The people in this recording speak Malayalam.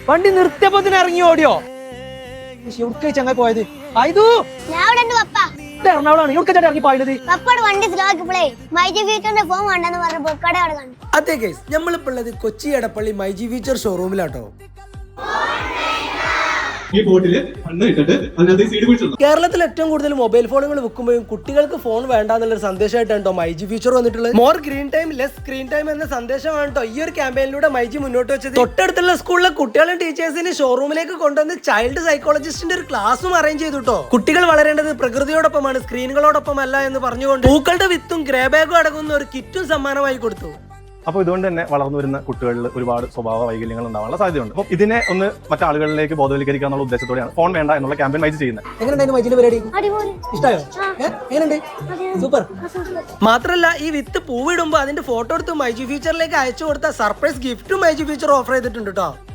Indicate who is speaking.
Speaker 1: വണ്ടി നിർത്തിയപ്പോ ഇറങ്ങി ഓടിയോ? എവിടെ ചങ്ങായി പോയത്? എറണാകുളമാണ്. എവിടെ ഇറങ്ങി പോയത്?
Speaker 2: അതെ ഗൈസ്, നമ്മളിപ്പോ ഉള്ളത് കൊച്ചി എടപ്പള്ളി മൈജി ഫീച്ചർ ഷോറൂമിലാട്ടോ. കേരളത്തിൽ ഏറ്റവും കൂടുതൽ മൊബൈൽ ഫോണുകൾ വിൽക്കുമ്പോഴും കുട്ടികൾക്ക് ഫോൺ വേണ്ട എന്നുള്ളൊരു സന്ദേശമായിട്ടാണ് മൈജി ഫീച്ചർ വന്നിട്ടുള്ളത്. More green time less screen time എന്ന സന്ദേശമാണ് കേട്ടോ ഈ ഒരു ക്യാമ്പയിനിലൂടെ മൈജി മുന്നോട്ട് വെച്ചത്. തൊട്ടടുത്തുള്ള സ്കൂളിലെ കുട്ടികളും ടീച്ചേഴ്സിന് ഷോറൂമിലേക്ക് കൊണ്ടുവന്ന് ചൈൽഡ് സൈക്കോളജിസ്റ്റിന്റെ ഒരു ക്ലാസ്സും അറേഞ്ച് ചെയ്തു കേട്ടോ. കുട്ടികൾ വളരേണ്ടത് പ്രകൃതിയോടൊപ്പമാണ്, സ്ക്രീനുകളോടൊപ്പം അല്ല എന്ന് പറഞ്ഞുകൊണ്ട് പൂക്കളുടെ വിത്തും ഗ്രേ ബാഗും അടങ്ങുന്ന ഒരു കിറ്റും സമ്മാനമായി കൊടുത്തു.
Speaker 3: അപ്പോൾ ഇതുകൊണ്ട് തന്നെ വളർന്നു വരുന്ന കുട്ടികളിൽ ഒരുപാട് സ്വഭാവ വൈകല്യങ്ങൾ ഉണ്ടാവാനുള്ള സാധ്യതയുണ്ട്. അപ്പോൾ ഇതിനെ ഒന്ന് മറ്റാളുകളിലേക്ക് ബോധവൽക്കരിക്കുക എന്നുള്ള ഉദ്ദേശത്തോടെയാണ് ഫോൺ വേണ്ട എന്നുള്ള ക്യാമ്പയിൻ മൈജി ചെയ്യുന്നത്.
Speaker 2: സൂപ്പർ. മാത്രല്ല ഈ വിത്ത് പൂവിടുമ്പോൾ അതിന്റെ ഫോട്ടോ എടുത്ത് മൈജി ഫീച്ചറിലേക്ക് അയച്ചു കൊടുത്ത സർപ്രൈസ് ഗിഫ്റ്റും മൈജി ഫീച്ചർ ഓഫർ ചെയ്തിട്ടുണ്ട് കേട്ടോ.